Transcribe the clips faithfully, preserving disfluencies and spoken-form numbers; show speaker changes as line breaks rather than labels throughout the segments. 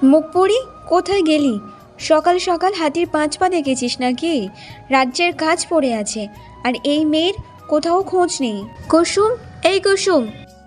মুখপুরি, কোথায় গেলি? সকাল সকাল হাতির পাঁচ পা দেখেছিস নাকি? রাজ্যের কাজ পড়ে আছে, আর এই মেয়ের কোথাও খোঁজ নেই। কুসুম, এই কুসুম।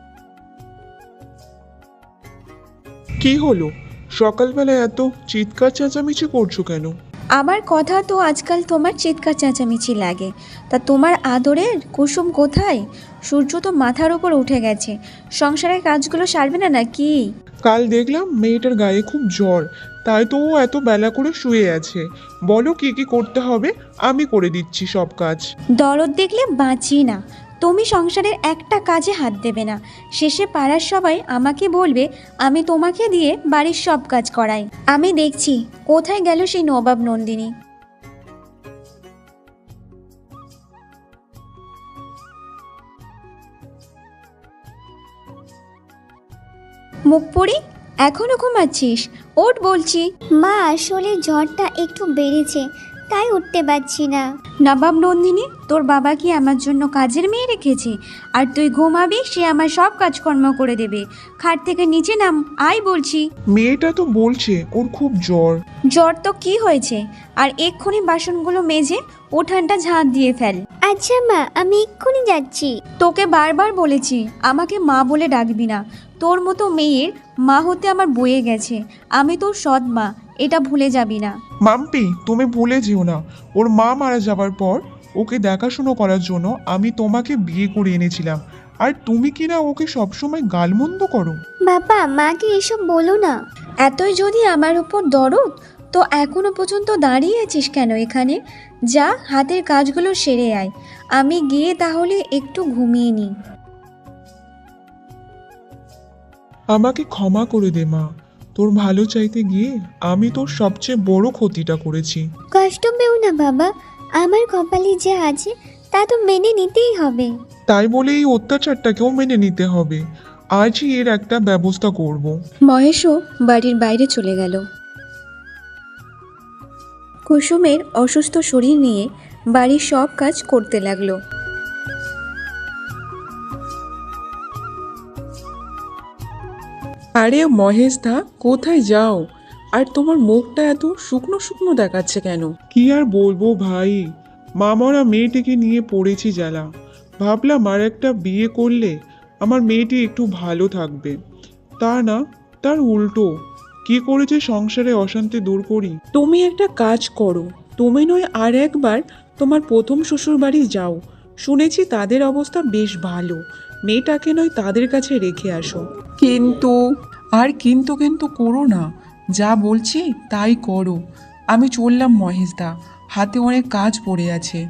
কি হলো? সকালবেলা এত চিৎকার চেঁচামেচি করছো কেন?
আমার কথা তো আজকাল তোমার চিৎকার চেঁচামেচি লাগে। তা তোমার আদরের কুসুম কোথায়? সূর্য তো মাথার উপর উঠে গেছে, সংসারের কাজগুলো সারবে না নাকি?
কাল দেখলাম মেয়েটার গায়ে খুব জ্বর, তাই তো ও এত বেলা করে শুয়ে আছে। বলো কি কি করতে হবে, আমি করে দিচ্ছি সব কাজ।
দরদ দেখলে বাঁচি না। তুমি সংসারের একটা কাজে হাত দেবে না, শেষে পাড়ার সবাই আমাকে বলবে আমি তোমাকে দিয়ে বাড়ির সব কাজ করাই। আমি দেখছি কোথায় গেল সেই নবাব নন্দিনী। মুখপুরি, এখনো ঘুমাচ্ছিস? ওঠ বলছি।
মা, আসলে জ্বরটা একটু বেড়েছে, তাই উঠতে পারছি না।
নবাব নন্দিনী, তোর বাবা কি আমার জন্য কাজের মেয়ে রেখেছে? আর তুই ঘুমাবি, সে আমার সব কাজকর্ম করে দেবে। খাট থেকে নিচে নাম, আয় বলছি।
মেয়েটা তো বলছে ওর খুব জ্বর।
জ্বর তো কি হয়েছে? আর এক্ষুনি বাসনগুলো মেজে উঠানটা ঝাঁট দিয়ে ফেল।
আচ্ছা মা, আমি এক্ষুনি যাচ্ছি।
তোকে বারবার বলেছি আমাকে মা বলে ডাকবি না। তোর মতো মেয়ের মা হতে আমার বয়ে গেছে। আমি তোর সৎ মা, এটা ভুলে যাবি না।
মাম্পি, তুমি ভুলে যেও না, ওর মা মারা যাবার পর ওকে দেখাশুনো করার জন্য আমি তোমাকে বিয়ে করে এনেছিলাম, আর তুমি কিনা ওকে সবসময় গালমন্দ করো।
বাবা, মাকে এসব বলো না।
এতই যদি আমার উপর দরদ, তো এখনো পর্যন্ত দাঁড়িয়ে আছিস কেন এখানে? যা, হাতের কাজগুলো সেরে আয়। আমি গিয়ে তাহলে একটু ঘুমিয়ে নিই।
আমাকে ক্ষমা করে দে মা, তোর ভালো চাইতে গিয়ে আমি তোর সবচেয়ে বড় ক্ষতিটা করেছি।
কষ্ট পেও না বাবা, আমার কপালে যা আছে তা তো মেনে নিতেই হবে।
তাই বলে এই অত্যাচারটাকেও মেনে নিতে হবে। আজই এর একটা ব্যবস্থা করব।
মহেশও বাড়ির বাইরে চলে গেল। কুসুমের অসুস্থ শরীর নিয়ে বাড়ির সব কাজ করতে লাগলো।
আরে মহেশ দা, কোথায় যাও? আর তোমার মুখটা এত শুকনো শুকনো দেখাচ্ছে কেন?
কি আর বলবো ভাই, মামারা মেয়েটিকে নিয়ে পড়েছি জ্বালা। ভাবলাম আর একটা বিয়ে করলে আমার মেয়েটি একটু ভালো থাকবে, তা না, তার উল্টো। কি করেছে সংসারে অশান্তি দূর করি।
তুমি একটা কাজ করো, তুমি নয় আর একবার তোমার প্রথম শ্বশুর বাড়ি যাও। শুনেছি তাদের অবস্থা বেশ ভালো, মেয়েটাকে নয় তাদের কাছে রেখে আসো। কিন্তু আর কিন্তু কিন্তু করো না, যা বলছি তাই করো। আমি চললাম মহেশ দা, হাতে অনেক কাজ পড়ে আছে।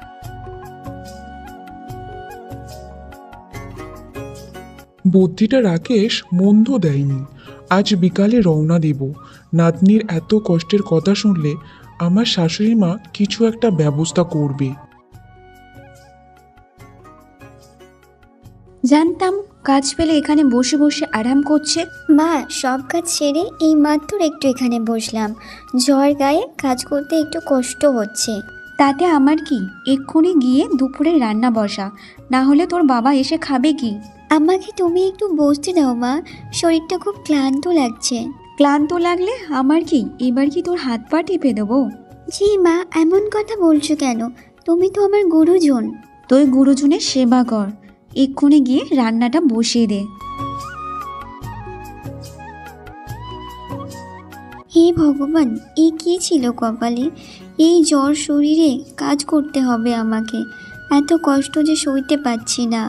বুদ্ধিটা রাকেশ মন্দ দেয়নি। আজ বিকালে রওনা দেব। নাতনির এত কষ্টের কথা শুনলে আমার শাশুড়ি মা কিছু একটা ব্যবস্থা করবে।
জানতাম কাজ পেলে এখানে বসে বসে আরাম করছে।
মা, সব কাজ সেরে এই মাত্র একটু এখানে বসলাম। জ্বর গায়ে কাজ করতে একটু কষ্ট হচ্ছে।
তাতে আমার কি? এক্ষুনি গিয়ে দুপুরে রান্না বসা, না হলে তোর বাবা এসে খাবে কি?
আমাকে তুমি একটু বসতে দাও মা, শরীরটা খুব ক্লান্ত লাগছে।
ক্লান্ত লাগলে আমার কি? এবার কি তোর হাত পা টিপে দেবো?
জি মা, এমন কথা বলছো কেন? তুমি তো আমার গুরুজন।
তুই গুরুজনের সেবা কর, এক্ষুনি গিয়ে রান্নাটা বসিয়ে দে।
হে ভগবান, এ কি ছিল কপালে? এই জ্বর শরীরে কাজ করতে হবে আমাকে। এত কষ্ট যে সইতে পারছি না।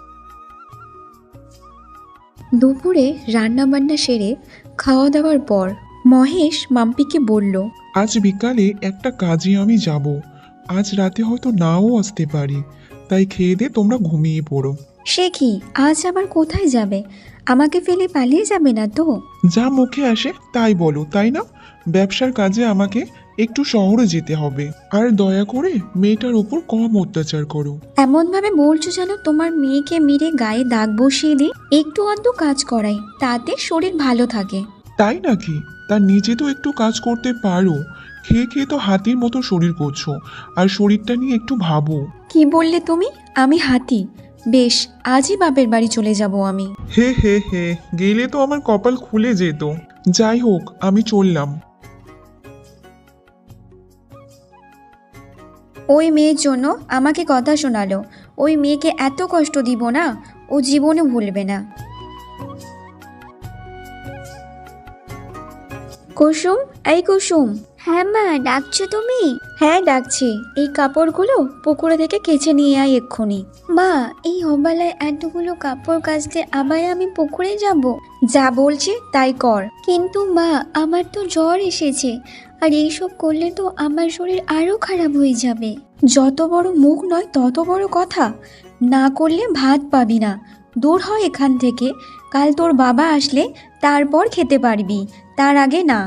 দুপুরে রান্না বান্না সেরে খাওয়া দাওয়ার পর মহেশ মাম্পিকে বলল,
আজ বিকালে একটা কাজে আমি যাব। আজ রাতে হয়তো নাও আসতে পারি, তাই খেয়ে দে তোমরা ঘুমিয়ে পড়ো।
সে কি, আজ আবার কোথায় যাবে? আমাকে ফেলে পালিয়ে যাবে না তো?
যা মুখে আসে তাই বলো, তাই না? ব্যবসার কাজে আমাকে একটু শহরে যেতে হবে, আর দয়া করে মেয়েটার উপর কম অত্যাচার করো।
এমন ভাবে বলছো যেন তোমার মেয়েকে মেরে গায়ে দাগ বসিয়ে দিই। একটু অন্ত কাজ করাই, তাতে শরীর ভালো থাকে।
তাই নাকি? তার নিজে তো একটু কাজ করতে পারো। খেয়ে খেয়ে তো হাতির মতো শরীর করছো, আর শরীরটা নিয়ে একটু ভাবো।
কি বললে তুমি? আমি হাতি? বেশ, আজই বাপের বাড়ি চলে যাব আমি।
হে হে হে, গেলে তো আমার কপাল খুলে যেত। যাই হোক, আমি চললাম।
ওই মেয়ের জন্য আমাকে কথা শোনালো। ওই মেয়েকে এত কষ্ট দিব না, ও জীবনে ভুলবে না। কুসুম, এই কুসুম।
হ্যাঁ মা, ডাকছো তুমি?
হ্যাঁ ডাকছি। এই কাপড়গুলো পুকুরে থেকে কেচে নিয়ে আয় এক্ষুনি।
মা, এই অবেলায় এতগুলো কাপড় কাচতে আবার আমি পুকুরে যাব?
যা বলছি তাই কর।
কিন্তু মা, আমার তো জ্বর এসেছে, আর এইসব করলে তো আমার শরীর আরো খারাপ হয়ে যাবে।
যত বড় মুখ নয় তত বড় কথা। না করলে ভাত পাবি না। দূর হয় এখান থেকে। কাল তোর বাবা আসলে তারপর খেতে পারবি, তার আগে না।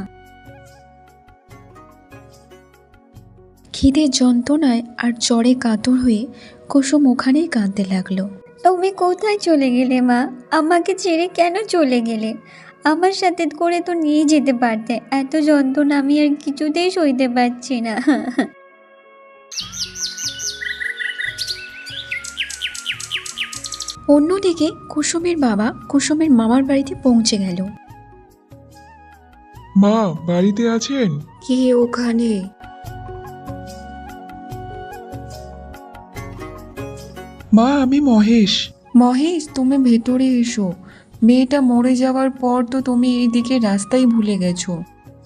খিদের যন্ত্রণায় আর জ্বরে কাতর হয়ে কুসুম ওখানেই কাঁদতে লাগলো।
তুমি কোথায় চলে গেলে মা? আমাকে ছেড়ে কেন চলে গেলে? আমার সাথে করে তো নিয়ে যেতে পারতে। এত যন্ত্রণা আমি আর কিছুতেই সইতে পারছি না।
অন্যদিকে কুসুমের বাবা কুসুমের মামার বাড়িতে পৌঁছে গেল।
মা বাড়িতে আছেন?
কে ওখানে?
মা, আমি মহেশ।
মহেশ, তুমি ভেতরে এসো। মেয়েটা মরে যাওয়ার পর তো তুমি এইদিকে রাস্তাই ভুলে গেছো।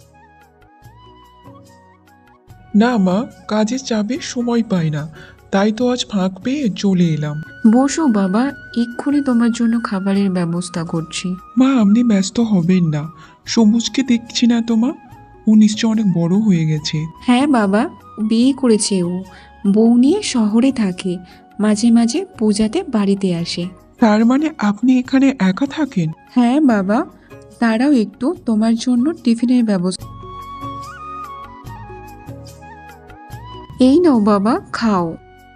না মা, কাজের চাপে সময় পাই না, তাই তো আজ ফাঁক পেয়ে চলে এলাম।
বসো বাবা, এক্ষুনি তোমার জন্য খাবারের ব্যবস্থা করছি।
মা, আপনি ব্যস্ত হবেন না। সবুজকে দেখছি না তো মা? ও নিশ্চয় অনেক বড় হয়ে গেছে।
হ্যাঁ বাবা, বিয়ে করেছে ও। বউ নিয়ে শহরে থাকে, মাঝে মাঝে পূজাতে বাড়িতে আসে।
তার মানে আপনি এখানে একা থাকেন?
হ্যাঁ বাবা, তারাও একটু তোমার জন্য টিফিনের ব্যবস্থা। এই নাও বাবা, খাও।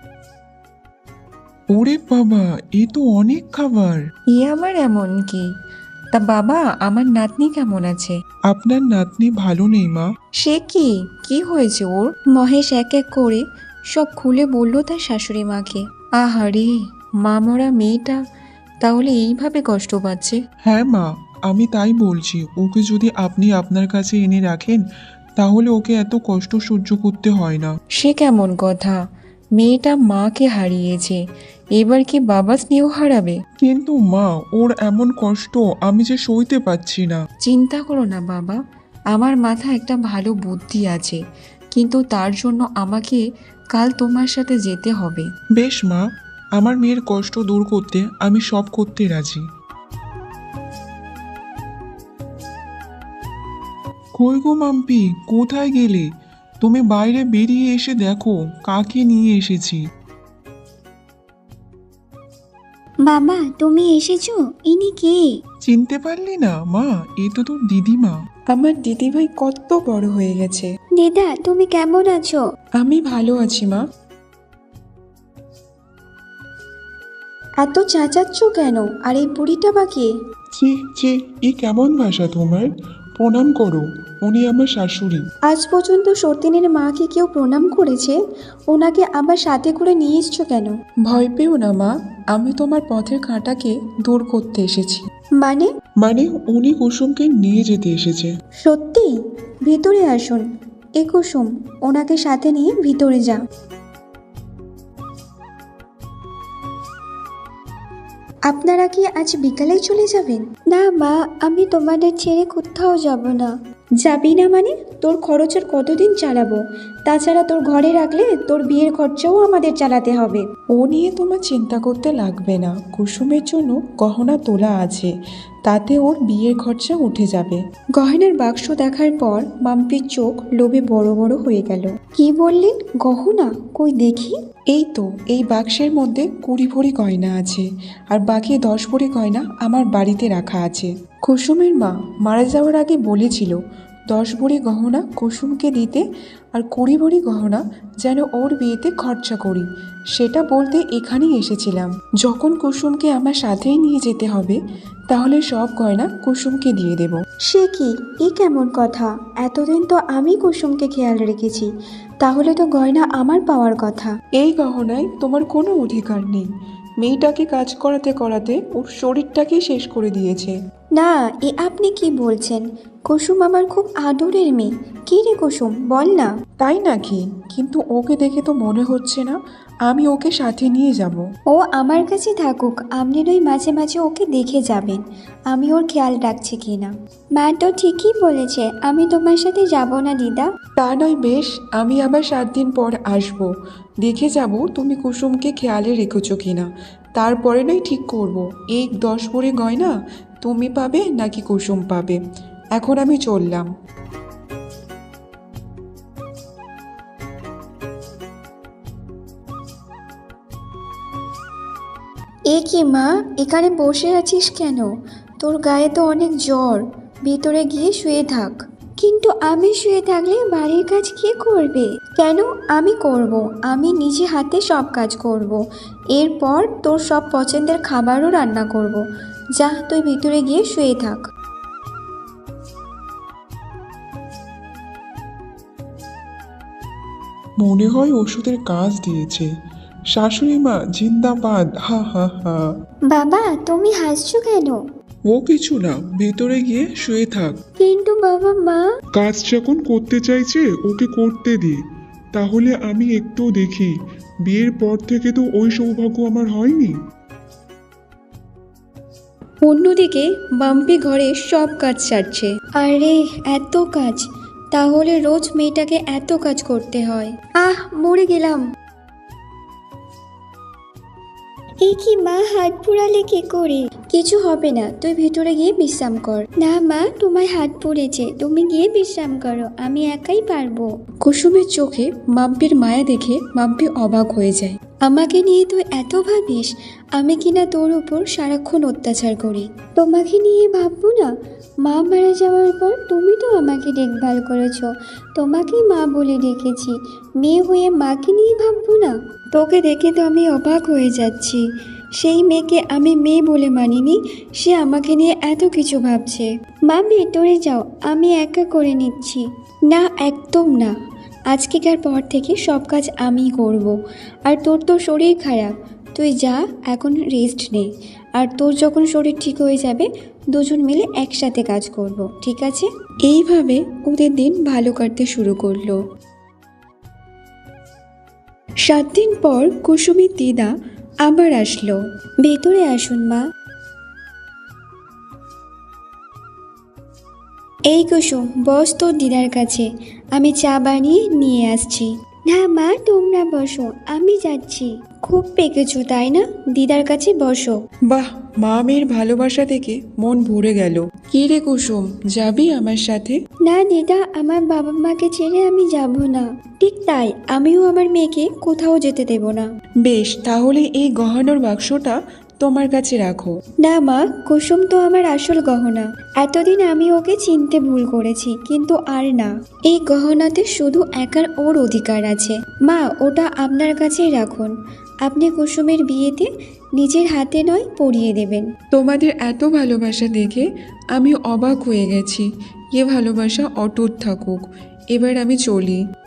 ওরে বাবা, এ তো অনেক খাবার।
এ আমার এমন কি? তা বাবা, আমার নাতনি কেমন আছে?
আপনার নাতনি ভালো নেই মা।
সে কি কি হয়েছে ওর?
মহেশ এক এক করে সব খুলে বলল তার শাশুড়ি মাকে।
আহারে, মা মরা মেয়েটা তাহলে এইভাবে কষ্ট পাচ্ছে।
হ্যাঁ মা, আমি তাই বলছি, ওকে যদি আপনি আপনার কাছে এনে রাখেন তাহলে ওকে এত কষ্ট সহ্য করতে হয় না।
সে কেমন কথা? মেয়েটা মাকে হারিয়েছে, এবার কি বাবা স্নেহ হারাবে?
কিন্তু মা, ওর এমন কষ্ট আমি যে সইতে পারছি না।
চিন্তা করো না বাবা, আমার মাথায় একটা ভালো বুদ্ধি আছে, কিন্তু তার জন্য আমাকে কাল তোমার সাথে যেতে হবে।
বেশ মা, আমার মেয়ের কষ্ট দূর করতে আমি সব করতে রাজি। কই গো মাম্পি, কোথায় গেলে? তুমি বাইরে বেরিয়ে এসে দেখো কাকে নিয়ে এসেছি।
বাবা, তুমি এসেছো? ইনি কে?
চিনতে পারলি না মা? এ তো তোর দিদিমা।
আমার দিদিভাই কত বড় হয়ে গেছে।
দিদা, তুমি কেমন আছো?
আমি ভালো আছি মা।
এত চেঁচাচ্ছ কেন? আর এই বুড়িটা বা কে?
ছি ছি, এ কেমন ভাষা তোমার? প্রণাম করো, উনি আমার শাশুড়ি।
আজ পর্যন্ত সতীনের মাকে কেউ প্রণাম করেছে? ওনাকে আবার সাথে করে নিয়ে এসছো কেন?
ভয় পেও না মা, আমি তোমার পথের কাঁটাকে দূর করতে এসেছি।
মানে?
মানে উনি কুসুমকে নিয়ে যেতে এসেছে।
সত্যি? ভিতরে আসুন। এ কুসুম, ওনাকে সাথে নিয়ে ভিতরে যা। আপনারা কি আজ বিকালেই চলে যাবেন?
না মা, আমি তোমাদের ছেড়ে কোথাও যাব না।
যাবি না মানে? তোর খরচ আর কতদিন চালাবো? তাছাড়া তোর ঘরে রাখলে তোর বিয়ের খরচাও আমাদের চালাতে হবে।
ও নিয়ে তোমার চিন্তা করতে লাগবে না, কুসুমের জন্য গহনা তোলা আছে, তাতে ওর বিয়ের খরচা উঠে যাবে।
গহনার বাক্স দেখার পর মাম্পির চোখ লোভে বড় বড় হয়ে গেল। কি বললেন? গহনা? কই দেখি।
এই তো, এই বাক্সের মধ্যে কুড়ি ভরি গয়না আছে, আর বাকি দশ ভরি গয়না আমার বাড়িতে রাখা আছে। কুসুমের মা মারা যাওয়ার আগে বলেছিল দশ ভরি গহনা কুসুমকে দিতে, আর কুড়ি ভরি গহনা যেন ওর বিয়েতে খরচা করি। সেটা বলতে এখানেই এসেছিলাম। যখন কুসুমকে আমার সাথেই নিয়ে যেতে হবে, তাহলে সব গয়না কুসুমকে দিয়ে দেব।
সে কি? এ কেমন কথা? এতদিন তো আমি কুসুমকে খেয়াল রেখেছি, তাহলে তো গয়না আমার পাওয়ার কথা।
এই গহনায় তোমার কোনো অধিকার নেই। মেয়েটাকে কাজ করাতে করাতে ওর শরীরটাকেই শেষ করে দিয়েছে।
না, এ আপনি কি বলছেন? কুসুম আমার খুব আদরের মেয়ে। কী রে কুসুম, বল না।
তাই নাকি? কিন্তু ওকে দেখে তো মনে হচ্ছে না আমি ওকে সাথে নিয়ে যাব।
ও আমার কাছে থাকুক, আপনি নই মাঝে মাঝে ওকে দেখে যাবেন আমি ওর খেয়াল রাখছি কি না। মা তো ঠিকই বলেছে, আমি তোমার সাথে যাব না দিদা।
তা নয় বেশ, আমি আবার সাত দিন পর আসব, দেখে যাব তুমি কুসুমকে খেয়ালে রেখেছো কিনা। তারপরে নয় ঠিক করব এই দশ ভরি গয়না তুমি পাবে নাকি কুসুম পাবে। এখন আমি চললাম।
এ কি মা, এখানে বসে আছিস কেন? তোর গায়ে তো অনেক জ্বর, ভিতরে গিয়ে শুয়ে থাক। কিন্তু আমি শুয়ে থাকলে বাড়ির কাজ কে করবে? কেন, আমি করব, আমি নিজে হাতে সব কাজ করব। এরপর তোর সব পছন্দের খাবারও রান্না করব। যা, তুই ভিতরে গিয়ে শুয়ে থাক।
মনে হয় ওষুধের কাজ দিয়েছে। শাশুড়ি মা জিন্দাবাদ, হা হা হা।
বাবা, তুমি হাসছো কেন?
ও কিছু না, ভেতরে গিয়ে শুয়ে থাক।
কিন্তু বাবা, মা।
কাজ যখন করতে চাইছে ওকে করতে দি, তাহলে আমি একটু দেখি। বিয়ের পর থেকে তো ওই সৌভাগ্য আমার হয়নি।
অন্যদিকে বাম্পি ঘরে সব কাজ সারছে। আরে এত কাজ, তাহলে রোজ মেয়েটাকে এত কাজ করতে হয়। আহ, মরে গেলাম। এ কি মা, হাত পুড়ালে কি করে? কিছু হবে না, তুই ভেতরে গিয়ে বিশ্রাম কর। না মা, তোমার হাত পুড়েছে, তুমি গিয়ে বিশ্রাম করো, আমি একাই পারবো। কুসুমের চোখে মাম্পির মায়া দেখে মাম্পি অবাক হয়ে যায়। আমাকে নিয়ে তুই এত ভাবিস? আমি কিনা তোর উপর সারাক্ষণ অত্যাচার করি। তোমাকে নিয়ে ভাববো না? মা মারা যাওয়ার পর তুমি তো আমাকে দেখভাল করেছো, তোমাকেই মা বলে ডেকেছি। মেয়ে হয়ে মাকে নিয়ে ভাববো না? তোকে দেখে তো আমি অবাক হয়ে যাচ্ছি। সেই মেয়েকে আমি মেয়ে বলে মানিনি, সে আমাকে নিয়ে এত কিছু ভাবছে। মা, ভেতরে যাও, আমি একা করে নিচ্ছি। না, একদম না। আজকেকার পর থেকে সব কাজ আমিই করব। আর তোর তো শরীর খারাপ, তুই যা, এখন রেস্ট নে। আর তোর যখন শরীর ঠিক হয়ে যাবে দুজন মিলে একসাথে কাজ করব, ঠিক আছে? এইভাবে ওদের দিন ভালো কাটতে শুরু করলো। সাত দিন পর কুসুমের দিদা আবার আসলো। ভেতরে আসুন মা। এই কুসুম, বস তোর দিদার কাছে, আমি চা বানিয়ে নিয়ে আসছি। না মা, তোমরা বসো, আমি যাচ্ছি। খুব পেকেছো তাই না? দিদার কাছে বসো।
বাহ, মা মেয়ের ভালোবাসা থেকে মন ভরে গেল। কি রে কুসুম, যাবি আমার সাথে?
না দিদা, আমার বাবা মাকে ছেড়ে আমি যাব না। ঠিক তাই, আমিও আমার মেয়েকে কোথাও যেতে দেব না।
বেশ, তাহলে এই গহনার বাক্সটা তোমার কাছে রাখো।
না মা, কুসুম তো আমার আসল গহনা। এতদিন আমি ওকে চিনতে ভুল করেছি, কিন্তু আর না। এই গহনাতে শুধু একার ওর অধিকার আছে। মা, ওটা আপনার কাছেই রাখুন। আপনি কুসুমের বিয়েতে নিজের হাতে নয় পরিয়ে দেবেন।
তোমাদের এত ভালোবাসা দেখে আমি অবাক হয়ে গেছি। এ ভালোবাসা অটুট থাকুক। এবার আমি চলি।